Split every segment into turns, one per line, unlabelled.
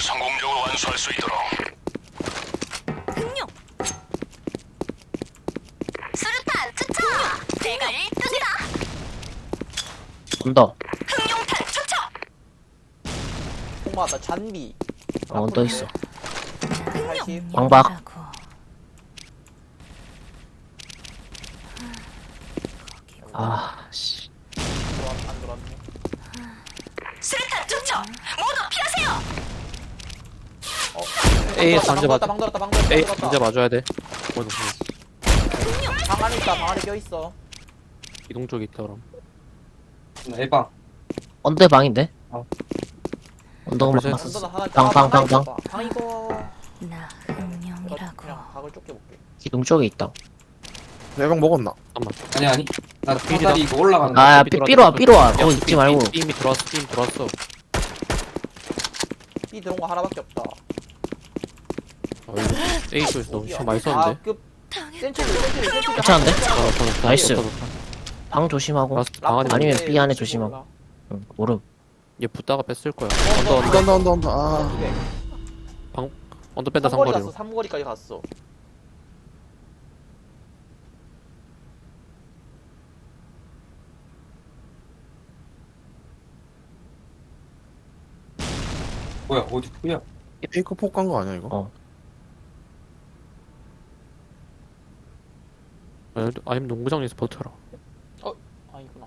성공적으로 완수할 수 있도록.
흥룡 수류탄 투척 내가 1등이다.
언더.
흥룡탄 투척
엄마 나 잔비.
언더 있어.
80.
방박. 아, 씨.
안 들어왔네.
수류탄 투척 모두 피하세요.
A 반지 맞.
방 들었다 방 들었다
A
방
반지
들었다.
맞아야 돼.
방 안에 있다 방 안에 껴있어.
이동 쪽에 있다 그럼.
에방.
언더의 방인데?
어.
언더가 막
벌써
봤어.
언더는 하나
방, 방, 방,
있어, 방 이거
나
내가
흥룡이라고.
그냥 각을 쫓겨볼게.
기둥 쪽에 있다.
내방 먹었나?
아니 아니. 나
필이다.
사다리 이거 올라가는 거.
아, 삐로 와. 거기 있지 말고.
이미 들어왔어. 이미 들어왔어.
B 들어온 거 하나밖에 없다.
아, 이거 A 쪽에서 너무
어디야?
시간 많이 썼는데.
그 센츄리
괜찮은데?
더 좋다.
나이스.
더 좋다.
방 조심하고.
라스트 방 안에
아니면
네,
B 안에 조심하고. 응, 모름.
얘 붙다가 뺐을 거야.
언더,
언더
아,
언더 뺀다
삼거리
상거리로.
갔어. 삼거리까지 갔어.
뭐야 어디 뭐야?
페이크 폭 간 거 아니야 이거?
어.
아니면 농구장에서 버텨라.
아니구나.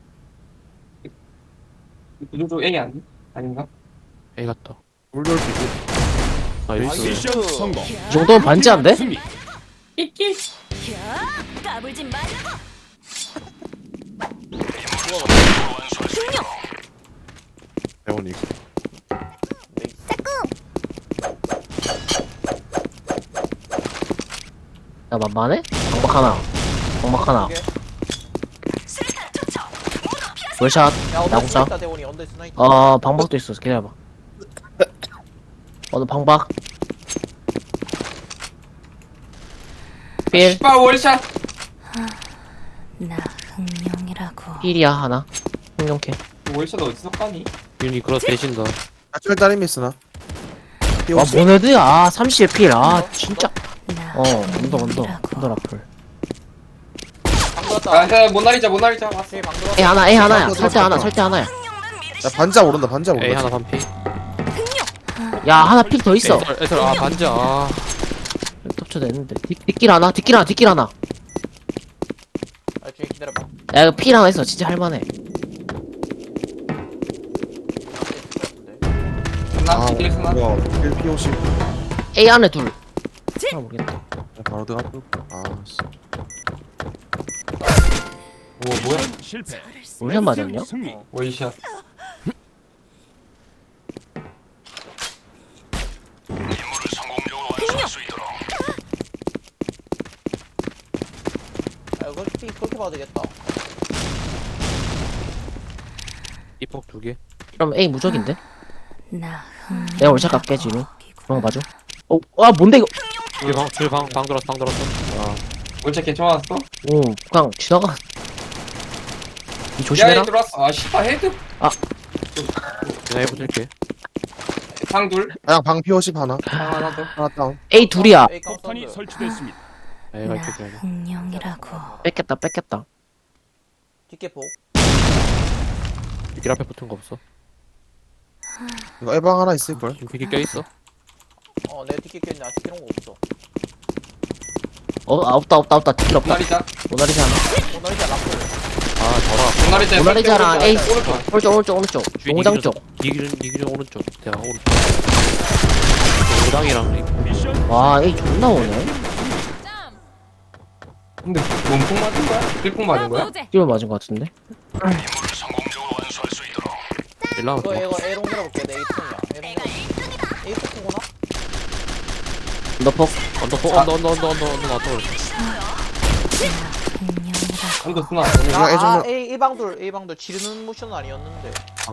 무조건 A 아니? 아닌가?
A 갔다.
물돌 피고.
나이스.
미션 성공.
이 정도면 반지한데?
승리.
야 까불지 말라고.
완수할 수 있도록.
대원이 이거.
야, 만만해? 방박 하나. 방박 하나.
수류탄 투척 모두 피하세요.
월샷.
야 언더
나국사.
스나 있다 대원이 언더 스나 있다.
방박도 있어. 기다려봐. 너 방박. 필.
빠 월샷.
나 흥룡이라고.
필이야, 하나. 흥룡캐.
월샷 어디서 까니?
윤이 그렇 대신다.
아철 따림이 쓰나?
와, 모네드야. 30의 필. 아, 진짜.
나
언더
흥룡이라고.
라플.
방 들었다.
아, 못 날리자 왔어.
방 들었다.
A 하나야. 설대 하나야.
흥룡만
야
믿으시.
반자 오른다 반자
A
오른다.
하나 반피.
야, 하나 필 더 있어.
애들 아 반지 아.
덮쳐 냈는데. 뒷길 하나.
아 중에 기다려봐.
야, 이거 필 하나 있어. 진짜 할만해.
나 뒤길 쓰나?
뭐야 1 POC.
A 안에 둘. 모르겠다.
야, 바로 들어가. 아, 씨.
오 뭐야?
실패.
월샷 맞았냐?
승리.
월샷.
임무를 성공적으로 완수할 수 있도록.
야 이거 B 그렇게 봐도 되겠다.
이폭 두 개.
그럼 A 무적인데?
나
내가 월샷 갈게, 지금. 그런 거 봐줘. 뭔데, 이거?
방 들었어.
월샷 괜찮았어?
오, 그냥 지나가. 이
야,
조심해라.
얘 들어왔어. 아, 씨발 헤드.
내가 해보실게.
방 둘.
그냥 방 POC 하나.
방 하나 더.
하나 다운.
A 둘이야.
A
폭탄이
카운터.
설치됐습니다.
A가
나
이렇게 줘야 돼.
흥룡이라고.
뺏겼다.
뒷게 복.
길 앞에 붙은 거 없어.
이거 에방 하나 있을걸?
지금 비기 껴 있어.
내가 뒷게 꼈냐? 뒷게 이런 거 없어.
없다. 뒷길
못
없다.
날리자.
모나리자 하나.
너 이제 라플.
아 저라.
못 날리자.
모나리자랑 A.
오른쪽.
오른쪽. 농구장 쪽.
이기준 오른쪽. 대가 오른쪽. 농구장이랑
미션
와, A 존나 오네.
근데 몸통 맞은 거야? 필통 맞은 거야?
뛰어 맞은 거 같은데?
임무를 성공적으로 완수할 수 있도록.
1라운드.
이거 A롱 들어볼게. 내 A통이야. A롱 들어볼게. A통구나?
언더폭.
언더 나왔다 그랬어.
흥룡이라고.
언더 쓰나?
그냥 애정면
A방돌 지르는 모션은 아니었는데.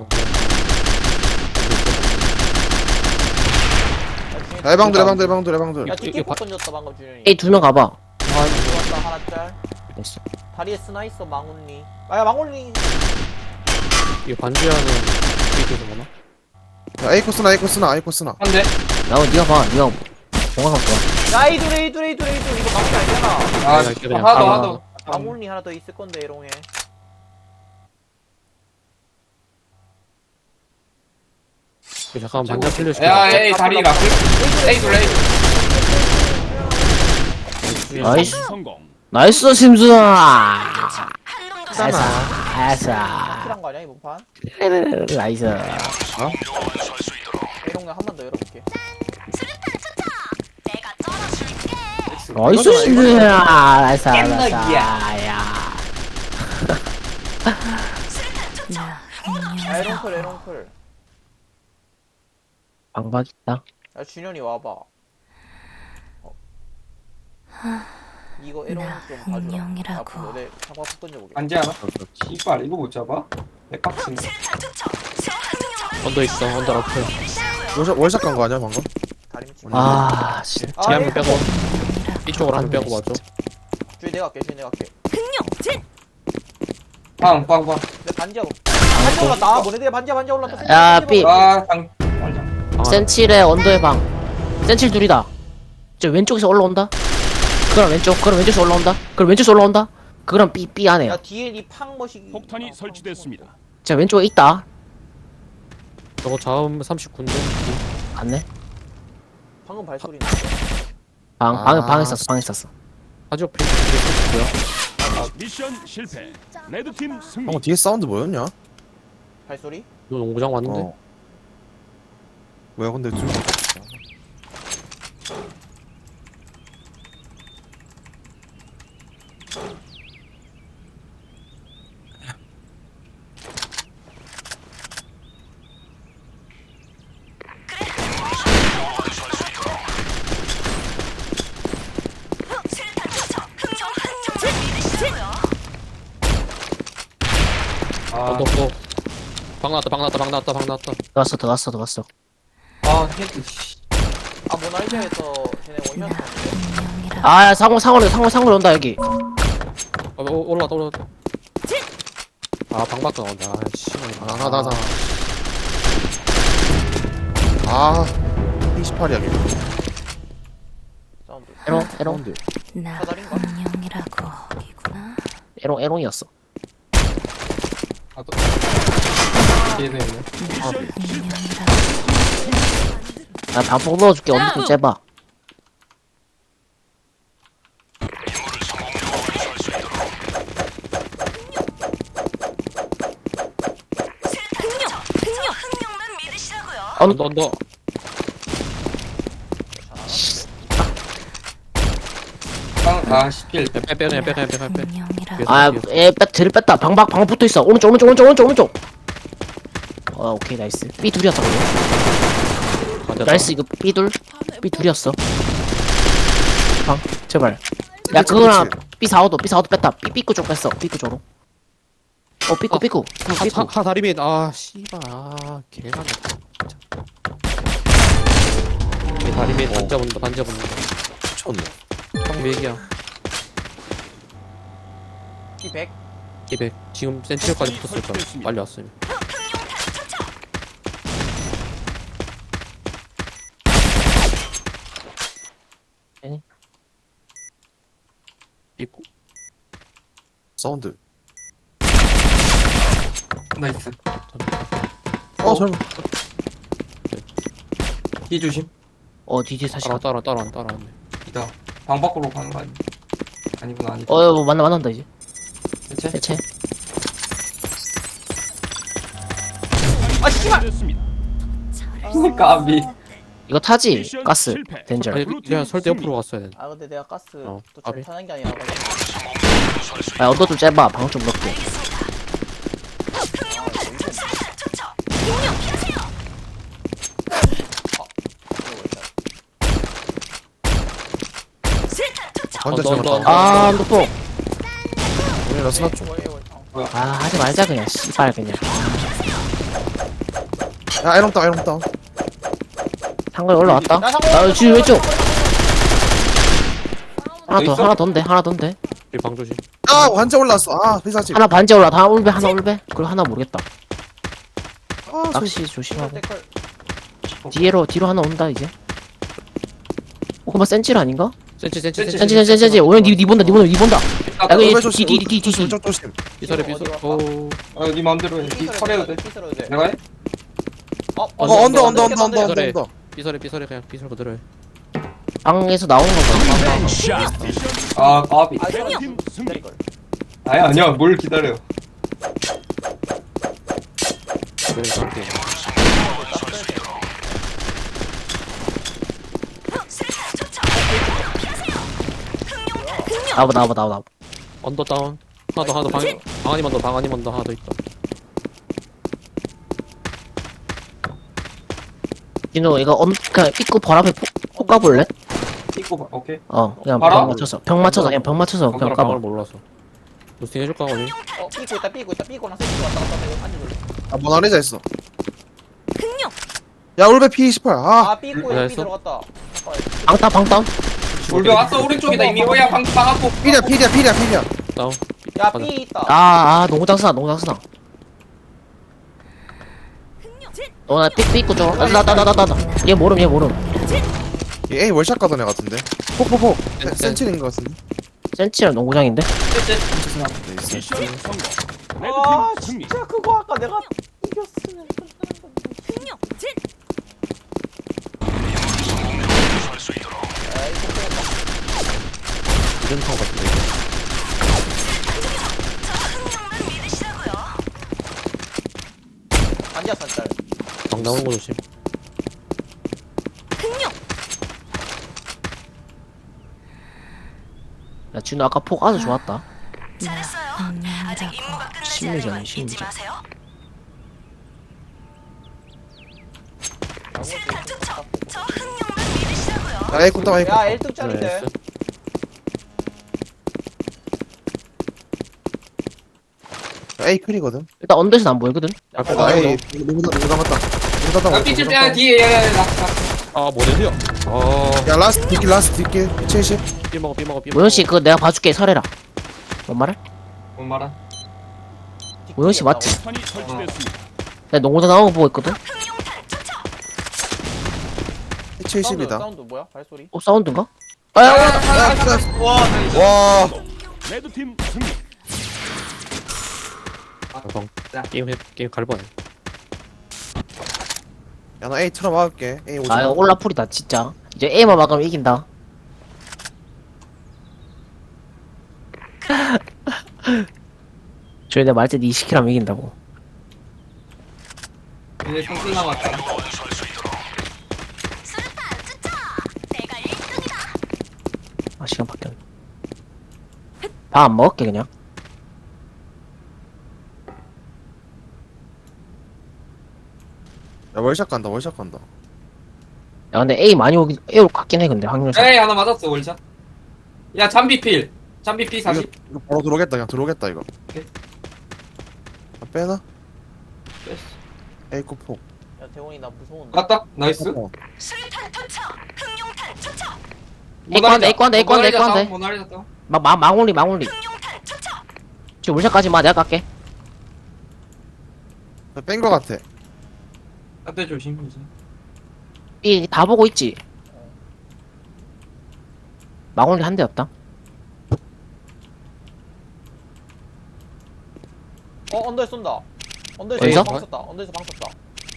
야, 에방들.
야 뒷게 폭 던졌다 방금 준현이.
A 두 명 가봐.
들어왔다 하나 짤.
됐어.
다리에 스나 있어 망훈니. 야 망훈니.
이거 반지하는 A쪽에서 뭐나?
야, A 코스나, A 코스나, A 코스나.
한 대.
야 니가 봐 니가 공항 좋아.
야 에이돌 에이돌 에이돌 에이돌 이거 막기 아니잖아.
아,
그냥 그냥
하나 더,
가봐.
하나 더.
방울리 하나 더 있을 건데 에롱에.
잠깐만 반장 틀려줄게.
야, 에이, 다리 라플. 에이, 둘, 에이.
나이스
성공.
나이스 심수아. 나이스 나이스
킬한 거 아니야 이번 판?
나이스.
성공적으로 완수할 수 있도록.
에롱에 한 번 더 열어볼게.
나이스 심수아. 나이스 나이스.
깻먹이야.
야.
나
야
흥룡이라고.
에롱클 에롱클.
방박 있다.
야 준현이 와봐. 이거 에롱
나
좀 봐주라.
흥룡이라고.
앞으로 내 잡아 던져보게.
안지 않아? 씨발, 이거 못 잡아? 내 깍치네.
언더 있어. 언더 라플.
월샷 간 거 아니야, 방금?
다리 밑.
아 진짜.
아,
뒤에 한번
에이.
빼고. 이쪽으로 한번 빼고 맞죠?
주희 내가 할게 주희 내가 할게.
빵, 빵, 빵.
내 반지하고. 반지 올랐다. 아 뭐네 내 반지 올랐다.
야, 삐.
아, 당. 맞아.
센칠의 언더의 방. 센칠 둘이다. 저 왼쪽에서 올라온다. 그럼 왼쪽. 그럼 왼쪽에서 올라온다. 그럼 왼쪽에서 올라온다. 그럼 B 안에요.
야 뒤에 니팡 머시기.
폭탄이 설치됐습니다.
자 왼쪽에 있다.
저거 자음 39인데.
갔네.
방금 발소리.
방에 있었어. 방에 있었어.
하지옥 페이지고요.
미션 실패. 레드팀 승리.
방금 뒤에 사운드 뭐였냐?
발소리?
이거 농구장 왔는데.
어. 뭐야, 근데 좀.
아,
언더 또. 방 나왔다. 방 나왔다. 방 나왔다. 방 나왔다.
들어갔어.
아, 헤드, 씨.
아 모나리자에서 쟤네
나
원샷.
흥룡이라고.
아 상원 온다 여기.
올라왔다. 올라왔다. 아, 방 밖으로 나온다. 아, 씨.
아, 28이야, 걔.
사운드.
에롱
사운드.
나
사다리인가?
흥룡이라고. 이구나.
에롱이었어.
아, 또. 뒤에도 있네.
흥룡이라고.
나 방폭 넣어줄게. 언더 좀 째봐.
임무를 성공적으로 완수할 수 있도록.
언더.
빵, 아, 10킬.
빼.
흥룡이라고.
뒤를 뺐다. 방 붙어 있어. 오른쪽. 오케이 나이스. B 둘이었다. 나이스 이거 B 둘이었어. 방 제발. 야 그거랑 B 4호도 뺐다. B구 쪽 뺐어. B구 쪽으로. 삐꾸.
하 다리 밑. 아, 씨발. 아, 개가 다리 밑 반자 본다.
미쳤네.
방 맥이야.
P100.
200. 지금 센치까지 붙었을 거야. 빨리 왔으면. 있고.
사운드.
나이스.
설마.
뒤 조심.
DD 다시 가.
따라왔네.
이다. 방 밖으로 가는 거 아니야? 아니구나, 아니구나.
뭐 만난다 이제.
대체?
해체.
아 씨발.
됐습니다.
까비.
이거 타지?
미션
가스.
실패.
덴저.
아니, 내가 설대 옆으로 갔어야 돼.
아 근데 내가 가스
어,
또잘
까비.
타는 게 아니라 가지고.
성공적으로 완수할 수
야 언더 좀 째봐. 방 좀 넣게.
완전
언더.
잘났다.
아 언더폭.
우리 라스나 쪽.
아 하지 말자 그냥. 씨발 그냥.
야, 에롱 다운.
상거리 올라왔다.
야, 상거리
지금 왼쪽.
있어?
하나 더인데.
우리 방 조심.
아, 완전 올랐어. 아, 회사집.
하나 반지 올라. 하나 울배. 그리고 하나 모르겠다.
아,
낚시 조심하고.
댓글.
뒤로 하나 온다 이제. 그만 센칠 아닌가?
센치
센치. 오늘 니 본다. 야
올배
이거
조심.
뒤.
조심.
비설에
어디로
비설
갈까?
오
네 맘대로 해. 털해도 돼.
삐스러도 돼.
내가 해?
언더.
비설에 그냥 비설 그대로 해
방에서 나온 거봐.
샷.
아 까비.
아,
레드팀 승리.
기다릴걸.
아니야 뭘 기다려.
그래 상태
나와.
언더 다운 하나 더 방아님 언더 하나 더 있다
진호 이거 그냥 입구 벌 앞에 폭 까볼래?
찍고 봐. 오케이.
그냥
봐라.
병 맞춰서 그냥 그냥
방을
까봐.
몰라서 루스팅 해줄까 어디?
삐꼬랑 세트 왔다 갔다 하면 앉아줄래?
모나리자 있어. 야 올배 P28.
아, 삐꼬에
네,
삐 들어갔다.
방따.
울베 왔어 오른쪽이다 이미. 오야 방 앞고.
피리야.
다운
야, 삐 있다.
농장수다. 나 삐꾸 줘. 나. 얘 모름.
얘 A 월샷 가던 애 같은데. 폭. 센칠인 것 같은데.
센치랑 농구장인데?
네, 있어.
미션 성공.
아,
레드팀 승리.
진짜 그거 아까 내가 이겼으면.
설수 있도록.
이름통 같은데
앉았어, 짤.
방 나오는 거 조심
야 진호 아까 폭 아주 좋았다.
운명이라고
심리전이야.
야 A ቁ다 A.
야, 1등 짤인데.
나이스
A 클이거든.
일단 언더에서 안 보이거든?
아 A 누구 남았다.
야 삐질 때 뒤에 야야야 나.
아 모델이야
야 라스트 뒷길 70.
삐 먹어
모현씨 그거 내가 봐줄게. 설해라. 뭔 말해?
뭔 말아?
모현씨 맞지?
탄이 설치됐습니다.
내가 농구장 나온 거 보고 있거든?
70이다.
사운드 뭐야? 발소리?
사운드인가?
와.
레드팀 승리.
방 게임 갈 뻔해
야 나 A 틀어 막을게. A 오지 마.
이거 올라풀이다 진짜. 이제 A만 막으면 이긴다. 저희 내가 말때 20킬 하면 이긴다고.
이제 성승 남았다.
설수 있도록.
시간 바뀌었네. 밥 안 먹을게 그냥.
야 월샷 간다.
야 근데 A 많이 올 것 같긴 해 근데 확률상.
에이 하나 맞았어 월샷. 야 잠비필 40.
이거 바로 들어오겠다. 그냥 들어오겠다 이거.
오케이.
빼나?
뺐어.
A 쿠폭.
야, 대원이 나 무서운데.
맞다. 나이스.
에이컨데.
모나리자 다운.
망올리. 지금 울샷까지만 내가 깎게.
뺀거 같아.
앞에 조심 이제.
B 다 보고 있지. 망올리 한 대였다.
언더에 쏜다. 언더에서
어디서?
방 쐈다. 언더에서 방 쐈다.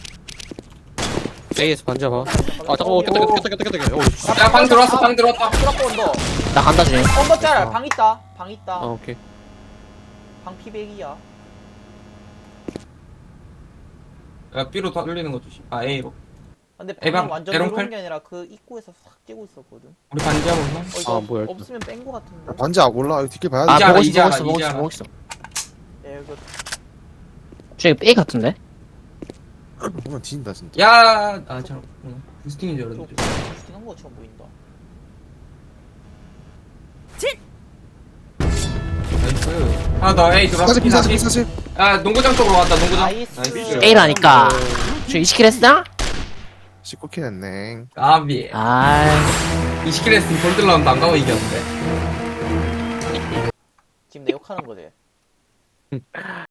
A에서 반잡아 아 잠깐만 깼다
야방 들어왔다.
트라코 언더.
나 간다 중에.
언더 짤. 방 있다.
아 오케이
방 피백이야.
야 B로 돌리는 거 조심. 아 A로.
근데
에방,
방금 완전
에롱
들어온
칼?
게 아니라 그 입구에서 싹 찌고 있었거든.
우리 반지하고 있나?
이거
아, 뭐야, 일단.
없으면 뺀 거 같은데.
반지 아 몰라. 이거 뒷길 봐야 돼.
이제 알아,
보고
이제 알아,
있어.
이제 알아.
보고 있어.
야, 이거
저기 A 같은데?
보면 뒤진다 진짜.
야, 참. 부스팅인 줄 알았는데.
부스팅한 것처럼 보인다.
나이스. 하나 더 A 들어왔어.
40.
야, 농구장 쪽으로 왔다, 농구장.
나이스.
A라니까. 저 20킬 했어?
19킬 했네.
까비.
아이.
20킬 했으면 골드라운드 안 가고 이겼는데.
지금 내 욕하는 거지.